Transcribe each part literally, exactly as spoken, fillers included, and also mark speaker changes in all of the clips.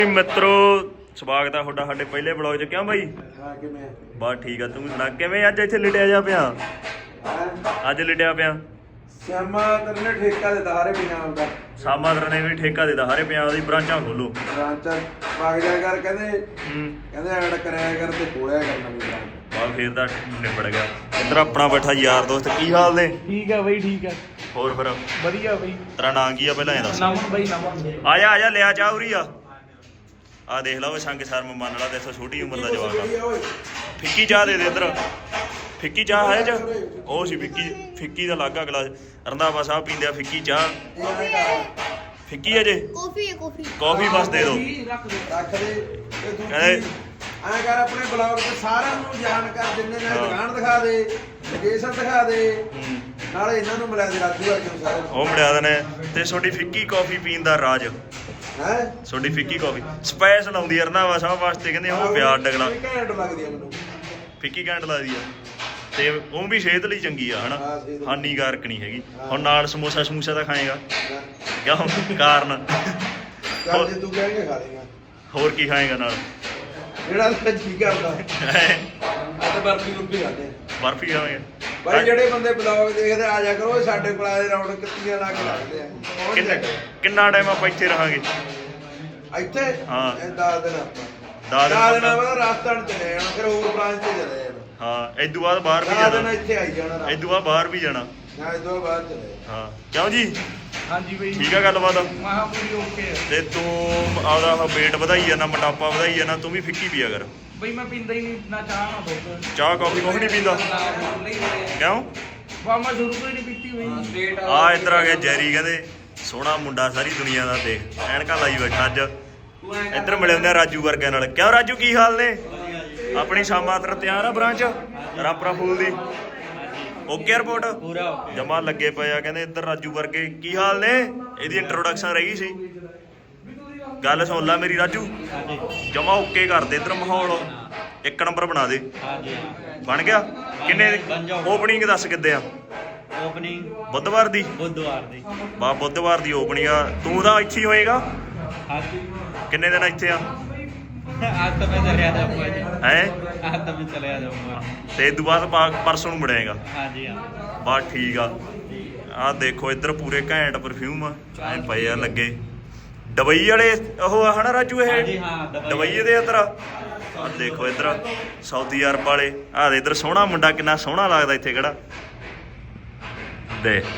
Speaker 1: ਮਿੱਤਰੋ ਸਵਾਗਤ ਹੈ ਤੁਹਾਡਾ ਸਾਡੇ ਪਹਿਲੇ ਬਲੌਗ 'ਚ। ਕਿਉਂ ਬਾਈ?
Speaker 2: ਹਾਂ ਕਿਵੇਂ?
Speaker 1: ਬਸ ਠੀਕ ਆ, ਤੂੰ ਸੁਣਾ ਕਿਵੇਂ? ਅੱਜ ਇੱਥੇ ਲਿਟਿਆ ਜਾ ਪਿਆ, ਅੱਜ ਲਿਟਿਆ ਪਿਆ।
Speaker 2: ਸ਼ਾਮਾ ਤੇਰੇ ਨੇ ਠੇਕਾ ਦਿੱਤਾ ਹਰੇ ਪੰਜਾਬ ਦਾ।
Speaker 1: ਸਾਮਾ ਦਰ ਨੇ ਵੀ ਠੇਕਾ ਦਿੱਤਾ ਹਰੇ ਪੰਜਾਬ ਦੀ ਬ੍ਰਾਂਚਾਂ ਖੋਲੋ।
Speaker 2: ਬ੍ਰਾਂਚਾਂ ਵਗ ਜਾ ਕਰ ਕਹਿੰਦੇ
Speaker 1: ਹੂੰ
Speaker 2: ਕਹਿੰਦੇ ਐਡ ਕਰਿਆ ਕਰ ਤੇ ਖੋਲਿਆ ਕਰਨਾ ਵੀ ਬ੍ਰਾਂਚ।
Speaker 1: ਬਸ ਫੇਰ ਤਾਂ ਨਿਬੜ ਗਿਆ। ਇੱਧਰ ਆਪਣਾ ਬੈਠਾ ਯਾਰ ਦੋਸਤ, ਕੀ ਹਾਲ ਨੇ?
Speaker 3: ਠੀਕ ਆ ਬਈ, ਠੀਕ ਆ।
Speaker 1: ਹੋਰ ਫਿਰ
Speaker 3: ਵਧੀਆ ਬਈ।
Speaker 1: ਤੇਰਾ ਨਾਂ ਕੀ ਆ ਪਹਿਲਾਂ ਇਹ ਦੱਸ?
Speaker 3: ਨਮਨ ਬਈ, ਨਮਨ।
Speaker 1: ਆ ਜਾ ਆ ਜਾ, ਲਿਆ ਚਾਹ ਉਰੀ ਆ। ਆ ਦੇਖ ਲਾ ਉਹ ਸੰਗ ਸ਼ਰਮ ਮੰਨ ਲਾ, ਦੇਖੋ ਛੋਟੀ ਉਮਰ ਦਾ ਜਵਾਕ ਆ। ਫਿੱਕੀ ਚਾਹ ਦੇ ਦੇ ਇੱਧਰ, ਫਿੱਕੀ ਚਾਹ ਹੈ ਚ ਉਹ ਸੀ ਫਿੱਕੀ, ਫਿੱਕੀ ਦਾ ਲਾਗਾ ਗਲਾਸ। ਰੰਧਾਵਾ ਸਾਹਿਬ ਪੀਂਦੇ ਆ ਫਿੱਕੀ ਚਾਹ। ਫਿੱਕੀ ਹੈ ਜੇ
Speaker 4: ਕਾਫੀ ਹੈ, ਕਾਫੀ
Speaker 1: ਕਾਫੀ ਬਸ ਦੇ ਦਿਓ।
Speaker 2: ਰੱਖ ਦੇ ਰੱਖ ਦੇ ਤੇ ਦੂਜੀ
Speaker 1: ਕਹਿੰਦੇ
Speaker 2: ਐਂ ਕਰ ਆਪਣੇ ਬਲੌਗ ਤੇ ਸਾਰਿਆਂ ਨੂੰ ਜਾਣ ਕਰ ਦਿੰਦੇ ਨੇ।
Speaker 1: ਹਾਂ।
Speaker 2: ਦੁਕਾਨ ਦਿਖਾ ਦੇ, ਲੋਕੇਸ਼ਨ ਦਿਖਾ ਦੇ,
Speaker 1: ਹੂੰ,
Speaker 2: ਨਾਲੇ ਇਹਨਾਂ ਨੂੰ ਮਿਲਾ ਦੇ ਰਾਜੂ ਵਰਗੇ ਨੂੰ ਸਾਰਿਆਂ ਨੂੰ।
Speaker 1: ਉਹ ਮਿਲਿਆ ਦੇ ਨੇ। ਤੇ ਤੁਹਾਡੀ ਫਿੱਕੀ ਕਾਫੀ ਪੀਣ ਦਾ ਰਾਜ,
Speaker 2: ਹੈ
Speaker 1: ਤੁਹਾਡੀ ਫਿੱਕੀ ਕਾਫੀ ਸਪੈਸ਼ਲ ਆਉਂਦੀ ਆ ਰੰਧਾਵਾ ਸਾਹਿਬ ਵਾਸਤੇ। ਕਹਿੰਦੇ ਉਹ ਪਿਆਰ ਡਗਲਾ
Speaker 2: ਘੈਂਟ ਲੱਗਦੀ ਆ ਮੈਨੂੰ
Speaker 1: ਫਿੱਕੀ ਘੈਂਟ ਲੱਗਦੀ ਆ, ਤੇ ਉਹ ਵੀ ਸਿਹਤ ਲਈ ਚੰਗੀ ਆ ਹਨਾ,
Speaker 2: ਹਾਂ, ਸਿਹਤ ਲਈ।
Speaker 1: ਹਾਨੀਕਾਰਕ ਨਹੀਂ ਹੈਗੀ। ਹੁਣ ਨਾਲ ਸਮੋਸਾ ਸਮੂਸਾ ਤਾਂ ਖਾਏਗਾ ਕਿਉਂ? ਕਾਰਨ
Speaker 2: ਚੱਲ ਜੇ ਤੂੰ ਕਹੇਂਗੇ ਖਾ ਲੇਗਾ।
Speaker 1: ਹੋਰ ਕੀ ਖਾਏਗਾ ਨਾਲ?
Speaker 2: ਜਿਹੜਾ ਤਾਂ ਜੀ ਕਰਦਾ ਆ ਤਾਂ ਬਰਫੀ ਰੁਪੀ ਖਾਦੇ
Speaker 1: ਬਰਫੀ ਖਾਵੇਂਗਾ?
Speaker 2: ਭਾਈ ਜਿਹੜੇ ਬੰਦੇ ਬਲੌਗ ਦੇਖਦੇ ਆ ਜਾ ਕਰੋ, ਸਾਡੇ ਕੋਲ ਆਏ ਰੌਣਕ ਕਿੱਤੀਆਂ ਲਾ ਕੇ ਲੱਗਦੇ ਆ। ਕੌਣ
Speaker 1: ਕਿੰਨਾ
Speaker 2: ਜਾਏਗਾ?
Speaker 1: ਕਿੰਨਾ ਟਾਈਮ ਆਪਾਂ ਇੱਥੇ ਰਹਾਂਗੇ?
Speaker 2: ਇੱਥੇ
Speaker 1: ਹਾਂ।
Speaker 2: ਇਹ ਦਸ ਦਿਨ ਆਪਾਂ
Speaker 1: ਦਸ ਦਿਨ
Speaker 2: ਦਸ ਦਿਨ
Speaker 1: ਆਪਾਂ-
Speaker 2: ਬਾਅਦ ਰਾਜਸਥਾਨ ਚਲੇ ਜਾਣਾ, ਫਿਰ ਹੋਰ ਬ੍ਰਾਂਚ ਤੇ ਚਲੇ ਜਾਣਾ।
Speaker 1: ਹਾਂ, ਇਦੋਂ ਬਾਅਦ ਬਾਹਰ ਵੀ
Speaker 2: ਦਸ ਦਿਨ
Speaker 1: ਜਾਣਾ,
Speaker 2: ਇੱਥੇ ਆਈ ਜਾਣਾ।
Speaker 1: ਇਦੋਂ ਬਾਅਦ ਬਾਹਰ ਵੀ ਜਾਣਾ।
Speaker 2: ਨਾ ਇਦੋਂ ਬਾਅਦ ਚਲੇ
Speaker 1: ਹਾਂ ਕਿਉਂ ਜੀ?
Speaker 3: ਹਾਂਜੀ ਬਈ,
Speaker 1: ਠੀਕ ਆ ਗੱਲਬਾਤ।
Speaker 3: ਮਹਾ ਪੂਰੀ ਓਕੇ ਆ।
Speaker 1: ਤੇ ਤੂੰ ਆਪਦਾ weight ਵਧਾਈ ਜਾਣਾ, ਮੋਟਾਪਾ ਵਧਾਈ ਜਾਣਾ, ਤੂੰ ਵੀ ਫਿੱਕੀ ਪੀਆ ਕਰ।
Speaker 3: ਬਈ ਮੈਂ ਪੀਂਦਾ ਹੀ ਨਹੀਂ ਨਾ ਚਾਹ ਨਾ ਦੁੱਧ।
Speaker 1: ਚਾਹ ਕਾਫੀ ਕੁਛ ਨਹੀਂ ਪੀਂਦਾ ਕਿਉਂ?
Speaker 3: ਵਾ ਮੈਂ ਸ਼ੁਰੂ ਤੋਂ ਹੀ ਨਹੀਂ ਪੀਤੀ ਬਈ।
Speaker 1: ਆ ਇੱਧਰ ਆ ਗਿਆ ਜੈਰੀ, ਕਹਿੰਦੇ ਸੋਹਣਾ ਮੁੰਡਾ ਸਾਰੀ ਦੁਨੀਆ ਦਾ, ਦੇਖ ਐਨਕਾਂ ਲਾਈ ਬੈਠਾ ਅੱਜ। ਇੱਧਰ ਮਿਲੇ ਹੁੰਦੇ ਆ ਰਾਜੂ ਵਰਗਿਆਂ ਨਾਲ। ਕਿਉਂ ਰਾਜੂ, ਕੀ ਹਾਲ ਨੇ? ਆਪਣੀ ਸ਼ਾਮਾਂ ਤਰ ਤਿਆਰ ਆ ਬ੍ਰਾਂਚ ਰਾਪਰਾ ਫੂਲ ਦੀ? ਓਕੇ ਰਿਪੋਰਟ
Speaker 3: ਪੂਰਾ ਓਕੇ।
Speaker 1: ਜਮਾ ਲੱਗੇ ਪਏ ਆ। ਕਹਿੰਦੇ ਇੱਧਰ ਰਾਜੂ ਵਰਗੇ, ਕੀ ਹਾਲ ਨੇ? ਇਹਦੀ ਇੰਟਰੋਡਕਸ਼ਨ ਰਹੀ ਸੀ, ਗੱਲ ਸੁਣ ਲੈ ਮੇਰੀ ਰਾਜੂ। ਜਮਾ ਓਕੇ ਕਰ ਦੇ, ਇੱਧਰ ਮਾਹੌਲ ਇੱਕ ਨੰਬਰ ਬਣਾ ਦੇ। ਬਣ ਗਿਆ? ਕਿੰਨੇ ਓਪਨਿੰਗ ਦੱਸ ਕਿੱਦੇ ਆ?
Speaker 3: ਓਪਨਿੰਗ
Speaker 1: ਬੁੱਧਵਾਰ ਦੀ?
Speaker 3: ਬੁੱਧਵਾਰ ਦੀ।
Speaker 1: ਬਾ ਬੁੱਧਵਾਰ ਦੀ ਓਪਨਿੰਗ ਆ। ਤੂੰ ਤਾਂ ਇੱਥੇ ਹੀ ਹੋਏਗਾ?
Speaker 3: ਹਾਂਜੀ।
Speaker 1: ਕਿੰਨੇ ਦਿਨ ਇੱਥੇ ਆ?
Speaker 3: ਅੱਜ ਤਾਂ ਮੈਂ ਚਲਿਆ ਜਾਊਂਗਾ ਜੀ।
Speaker 1: ਹੈ
Speaker 3: ਅੱਜ ਤਾਂ ਮੈਂ ਚਲਿਆ ਜਾਊਂਗਾ।
Speaker 1: ਤੇ ਇਸ ਤੋਂ ਬਾਅਦ ਪਾ- ਪਰਸੋਂ ਨੂੰ ਮੁੜੇਗਾ?
Speaker 3: ਹਾਂਜੀ ਹਾਂ।
Speaker 1: ਬਸ ਠੀਕ ਆ। ਆਹ ਦੇਖੋ ਇੱਧਰ ਪੂਰੇ ਘੈਂਟ ਪਰਫਿਊਮ ਆ ਐ ਪਏ ਆ ਲੱਗੇ। ਡਬਈ ਵਾਲੇ ਉਹ ਆ ਹਨਾ ਰਾਜੂ?
Speaker 3: ਹਾਂਜੀ
Speaker 1: ਇਹ
Speaker 3: ਹਾਂ, ਦੁਬਈ
Speaker 1: ਡਬਈ ਦੇ ਇੱਧਰ ਆ ਦੇਖੋ, ਇੱਧਰ ਸਾਊਦੀ ਅਰਬ ਵਾਲੇ। ਆਹ ਦੇ ਇੱਧਰ ਸੋਹਣਾ ਮੁੰਡਾ, ਕਿੰਨਾ ਸੋਹਣਾ ਲੱਗਦਾ ਇੱਥੇ ਕਿਹੜਾ ਦੇ।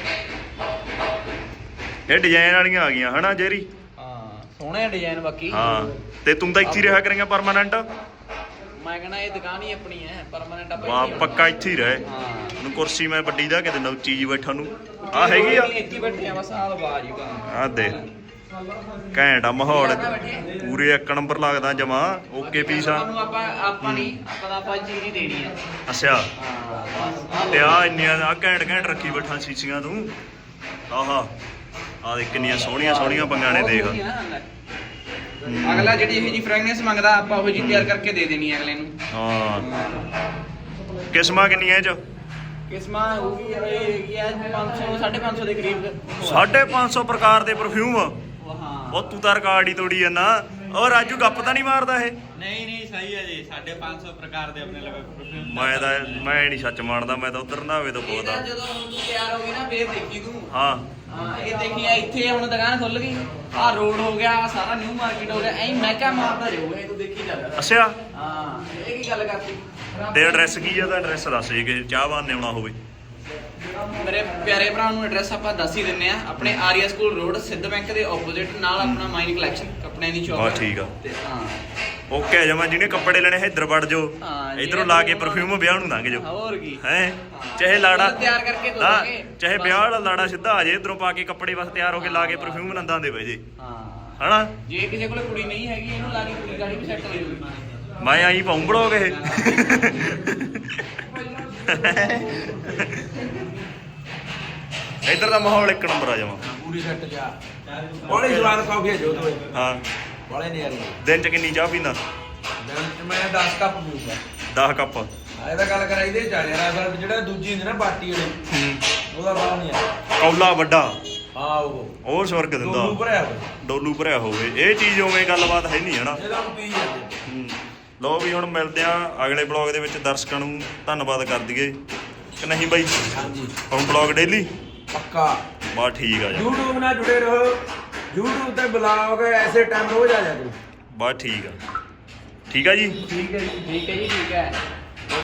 Speaker 1: ਇਹ ਡਿਜ਼ਾਈਨ ਵਾਲੀਆਂ ਆ ਗਈਆਂ ਹਨਾ ਜੇਰੀ?
Speaker 5: ਹਾਂ ਸੋਹਣੇ ਡਿਜ਼ਾਈਨ ਬਾਕੀ।
Speaker 1: ਹਾਂ, ਤੇ ਤੂੰ ਤਾਂ ਇੱਥੇ ਹੀ ਰਿਹਾ ਕਰੇਂਗਾ ਪਰਮਾਨੈਂਟ?
Speaker 5: ਮੈਂ ਕਹਿੰਦਾ ਇਹ ਦੁਕਾਨ ਹੀ ਆਪਣੀ ਹੈ, ਪਰਮਾਨੈਂਟ ਆਪਾਂ
Speaker 1: ਵਾਹ, ਪੱਕਾ ਇੱਥੇ ਹੀ ਰਹੇ।
Speaker 5: ਹਾਂ
Speaker 1: ਨੂੰ ਕੁਰਸੀ ਮੈਂ ਵੱਡੀ ਦਾ ਕਿਤੇ ਨੌਚੀ ਜੀ ਬੈਠਾ ਨੂੰ ਆ ਹੈਗੀ ਆ।
Speaker 5: ਇੱਥੇ ਹੀ ਬੈਠੇ ਆ ਬਸ, ਆਹ ਬਾਜ ਹੀ
Speaker 1: ਆ ਦੇ ਘੈਂਟ ਆ ਮਾਹੌਲ, ਪੂਰੇ ਇੱਕ ਨੰਬਰ ਲੱਗਦਾ ਜਮਾ ਓਕੇ ਪੀਸ ਆ।
Speaker 5: ਤੁਹਾਨੂੰ ਆਪਾਂ ਆਪਾਂ ਨਹੀਂ ਆਪਾਂ ਤਾਂ ਆਪਾਂ ਚੀਜ਼ ਹੀ ਦੇਣੀ ਆ।
Speaker 1: ਅੱਛਾ,
Speaker 5: ਹਾਂ
Speaker 1: ਤੇ ਆ ਇੰਨੀਆਂ ਆ ਘੈਂਟ ਘੈਂਟ ਰੱਖੀ ਬੈਠਾ ਸੀਸੀਆਂ ਤੂੰ। ਆਹਾ ਆ ਦੇ ਕਿੰਨੀਆਂ ਸੋਹਣੀਆਂ ਸੋਹਣੀਆਂ ਪੰਗਾਂ ਨੇ ਦੇਖ।
Speaker 5: ਅਗਲਾ ਜਿਹੜੀ ਇਹ ਜੀ ਫ੍ਰੈਗਨੈਂਸ ਮੰਗਦਾ ਆਪਾਂ ਉਹ ਜੀ ਤਿਆਰ ਕਰਕੇ ਦੇ ਦੇਣੀ ਅਗਲੇ ਨੂੰ।
Speaker 1: ਹਾਂ, ਕਿਸਮਾਂ ਕਿੰਨੀਆਂ ਇਹ ਚ?
Speaker 5: ਕਿਸਮਾਂ ਹੋਊਗੀ ਇਹ ਹੈਗੀ ਆ ਪੰਜ ਸੌ ਸਾਢੇ ਪੰਜ ਸੌ ਦੇ ਕਰੀਬ।
Speaker 1: ਸਾਢੇ ਪੰਜ ਸੌ ਪ੍ਰਕਾਰ ਦੇ ਪਰਫਿਊਮ।
Speaker 5: ਹਾਂ
Speaker 1: ਉਹ ਤੂੰ ਤਾਂ ਰਿਕਾਰਡ ਹੀ ਤੋੜੀ ਜਾਂਦਾ। ਉਹ ਰਾਜੂ ਗੱਪ ਤਾਂ ਨਹੀਂ ਮਾਰਦਾ ਇਹ?
Speaker 3: ਨਹੀਂ ਨਹੀਂ ਸਹੀ ਹੈ ਜੀ। ਸਾਢੇ ਪੰਜ ਸੌ ਪ੍ਰਕਾਰ ਦੇ ਆਪਣੇ ਲਵੇ ਪਰਫਿਊਮ।
Speaker 1: ਮੈਂ ਤਾਂ ਮੈਂ ਨਹੀਂ ਸੱਚ ਮੰਨਦਾ, ਮੈਂ ਤਾਂ ਉਧਰ ਨਾਵੇ ਤੋਂ
Speaker 5: ਇਹਦਾ
Speaker 1: ਪੁੱਛਦਾ।
Speaker 5: ਜਦੋਂ ਹੁਣ ਤੂੰ ਤਿਆਰ ਹੋ ਗਈ ਨਾ ਫੇਰ ਦੇਖੀ ਤੂੰ।
Speaker 1: ਹਾਂ
Speaker 5: ਹਾਂ ਇਹ ਦੇਖੀ ਆ ਇੱਥੇ ਹੁਣ ਦੁਕਾਨ ਖੁੱਲ ਗਈ, ਆਹ ਰੋਡ ਹੋ ਗਿਆ, ਆਹ ਸਾਰਾ ਨਿਊ ਮਾਰਕੀਟ ਹੋ ਗਿਆ, ਐਂ ਮਹਿਕਾ ਮਾਰਦਾ ਰਹੂਗਾ ਇਹ ਤੂੰ ਦੇਖੀ ਚੱਲ।
Speaker 1: ਅੱਛਾ,
Speaker 5: ਹਾਂ ਇਹ ਕੀ ਗੱਲ ਕਰਤੀ?
Speaker 1: ਤੇ ਐਡਰੈਸ ਕੀ ਆ? ਤਾਂ ਐਡਰੈਸ ਦੱਸ ਜੇ ਕਿ ਚਾਹਵਾਨ ਨੇ ਆਉਣਾ ਹੋਵੇ।
Speaker 5: ਮੇਰੇ ਪਿਆਰੇ ਭਰਾ ਨੂੰ ਐਡਰੈਸ ਆਪਾਂ ਦੱਸ ਹੀ ਦਿੰਨੇ ਆ। ਆਪਣੇ ਆਰੀਆ ਸਕੂਲ ਰੋਡ ਸਿੱਧ ਬੈਂਕ ਦੇ ਆਪੋਜ਼ਿਟ ਨਾਲ ਆਪਣਾ ਮਾਈਨ ਕਲੈਕਸ਼ਨ ਕੱਪੜਿਆਂ ਦੀ ਸ਼ਾਪ।
Speaker 1: ਬਸ ਠੀਕ ਆ।
Speaker 5: ਤੇ ਹਾਂ
Speaker 1: ਓਕੇ ਜਮਾ, ਜਿਹਨੇ ਕੱਪੜੇ ਲੈਣੇ ਇੱਧਰ ਵੜ ਜਾਓ,
Speaker 5: ਹਾਂ,
Speaker 1: ਇਧਰੋਂ ਲਾ ਕੇ ਪਰਫਿਊਮ ਵਿਆਹ ਨੂੰ ਲੰਘ ਜਾਓ।
Speaker 5: ਹੋਰ ਕੀ
Speaker 1: ਹੈ ਚਾਹੇ ਲਾੜਾ
Speaker 5: ਤਿਆਰ ਕਰਕੇ ਦੋ
Speaker 1: ਹਾਂ,
Speaker 5: ਦਾਂਗੇ।
Speaker 1: ਚਾਹੇ ਵਿਆਹ ਵਾਲਾ ਲਾੜਾ ਸਿੱਧਾ ਆ ਜੇ ਇਧਰੋਂ ਪਾ ਕੇ ਕੱਪੜੇ ਬਸ ਤਿਆਰ ਹੋ ਕੇ ਲਾ ਕੇ ਪਰਫਿਊਮ ਨੰਦਾਂ ਦੇ ਵੇ ਜੇ
Speaker 5: ਹਾਂ
Speaker 1: ਹਨਾ।
Speaker 5: ਜੇ ਕਿਸੇ ਕੋਲ ਕੁੜੀ ਨਹੀਂ ਹੈਗੀ ਇਹਨੂੰ ਲਾ ਕੇ ਕੁੜੀ ਗਾੜੀ ਵੀ ਸੈੱਟ ਹੋ ਜਾਊਗੀ।
Speaker 1: ਮੈਂ ਆਈ ਪਾਉਂ ਬੜੋਗੇ ਇਹ ਇੱਧਰ ਦਾ ਮਾਹੌਲ ਇੱਕ ਨੰਬਰ ਆ ਜਾਵਾਂ।
Speaker 2: ਪੂਰੀ ਸੈੱਟ ਜਾ ਬੜੀ ਸਵਾਦ ਕਾਫੀ ਜੋ ਤੋਏ
Speaker 1: ਹਾਂ,
Speaker 2: ਬੜੇ ਨੇ ਯਾਰ।
Speaker 1: ਦਿਨ ਚ ਕਿੰਨੀ ਚਾਹ ਪੀਂਦਾ?
Speaker 2: ਦਿਨ ਚ ਮੈਂ ਦਸ ਕੱਪ ਪੀਊਂਗਾ।
Speaker 1: ਦਸ ਕੱਪ।
Speaker 2: ਆ ਇਹਦਾ ਗੱਲ ਕਰਾਈ ਦੇ ਚੱਲ ਯਾਰ, ਅਸਲ ਜਿਹੜਾ ਦੂਜੀ ਹੁੰਦੀ ਨਾ ਬਾਟੀ ਵਾਲੀ
Speaker 1: ਹੂੰ,
Speaker 2: ਉਹਦਾ ਬਾਹ ਨਹੀਂ ਆ।
Speaker 1: ਕੌਲਾ ਵੱਡਾ
Speaker 2: ਹਾਂ ਉਹ
Speaker 1: ਉਹ ਸਵਰਗ ਦਿੰਦਾ
Speaker 2: ਡੋਲੂ ਭਰਿਆ ਹੋਇਆ
Speaker 1: ਡੋਲੂ ਭਰਿਆ ਹੋਵੇ। ਇਹ ਚੀਜ਼ ਉਵੇਂ ਗੱਲਬਾਤ ਹੈ ਨਹੀਂ ਹਨਾ।
Speaker 2: ਇਹਦਾ ਪੀ ਜਾਂਦੇ
Speaker 1: ਹੂੰ। ਲਓ ਵੀ ਹੁਣ ਮਿਲਦੇ ਆ ਅਗਲੇ ਬਲੌਗ ਦੇ ਵਿੱਚ। ਦਰਸ਼ਕਾਂ ਨੂੰ ਧੰਨਵਾਦ ਕਰ ਦਈਏ ਕਿ ਨਹੀਂ ਬਾਈ?
Speaker 2: ਹਾਂਜੀ
Speaker 1: ਹੁਣ ਬਲੌਗ ਡੇਲੀ
Speaker 2: ਪੱਕਾ।
Speaker 1: ਬਸ ਠੀਕ ਆ ਜਾ।
Speaker 2: YouTube ਨਾਲ ਜੁੜੇ ਰਹੋ। YouTube ਤੇ ਬਲੌਗ ਐਸੇ ਟਾਈਮ ਰੋਜ਼ ਆ ਜਾ ਕਰੋ।
Speaker 1: ਬਸ ਠੀਕ ਆ। ਠੀਕ ਆ ਜੀ।
Speaker 2: ਠੀਕ ਹੈ ਜੀ।
Speaker 5: ਠੀਕ ਹੈ ਜੀ, ਠੀਕ ਹੈ।